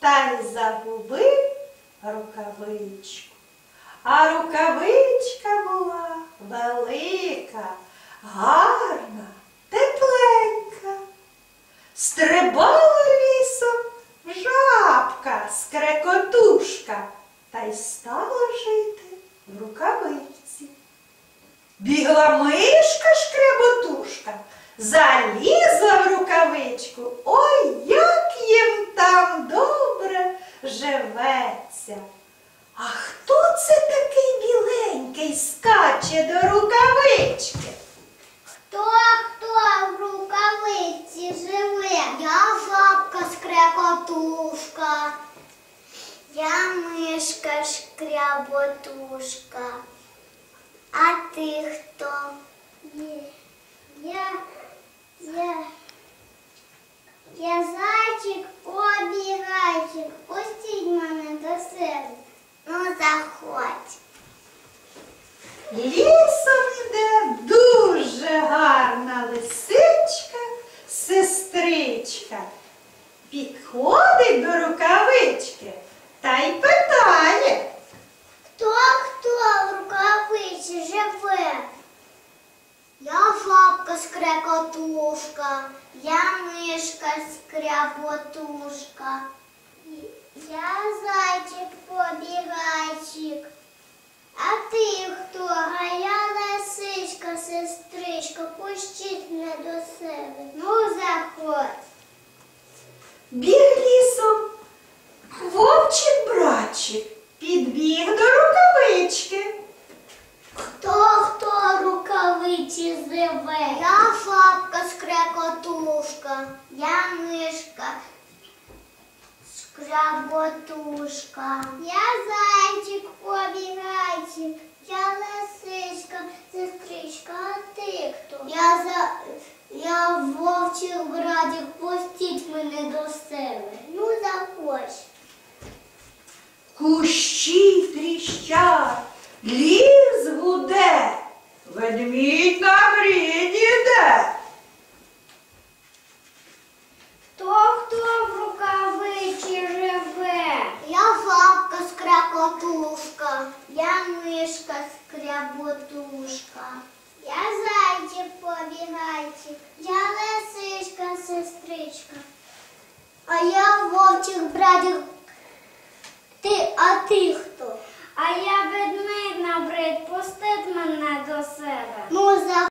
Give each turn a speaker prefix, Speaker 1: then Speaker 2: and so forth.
Speaker 1: та й загубив рукавичку. А рукавичка була велика, гарна, тепленька. Стрибала лісом жабка, скрекотушка, та й стала жити в рукавичці. Бігла мишка шкряботушка, залізла в рукавичку. Ой, як їм там добре живеться. А хто це такий біленький скаче до рукавички?
Speaker 2: Хто в рукавиці живе? Я жабка скрекотушка. Я мишка шкряботушка. А ти хто? Я зайчик-побігайчик. Пустіть мене до себе. Ну, заходь.
Speaker 1: Лісом іде дуже гарна лисичка, сестричка. Підходить до рукавички та й питає.
Speaker 2: Хто в рукавиці живе? Я жабка скрекотушка, я мишка скряботушка, я зайчик-побігайчик. А ти хто? А я лисичка, сестричка, пустіть мене до себе. Ну, заходь.
Speaker 1: Біг лісом вовчик-братчик, підбіг до рукавички.
Speaker 2: Хто в рукавиці живе? Я жабка скрекотушка, я мишка скряботушка, я зайчик-побігайчик, я лисичка, сестричка, а ти хто? Я вовчик-братик, пустіть мене до себе. Ну, заходь.
Speaker 1: Кущі тріщать, ліс гуде, ведмідь на гріні йде.
Speaker 2: Хто в рукавиці живе? Я жабка скрекотушка, я мишка скряботушка, я зайчик-побігайчик, я лисичка, сестричка, а я вовчик-братик. А ти хто? А я ведмідь набрид, пустить мене до себе. Ну,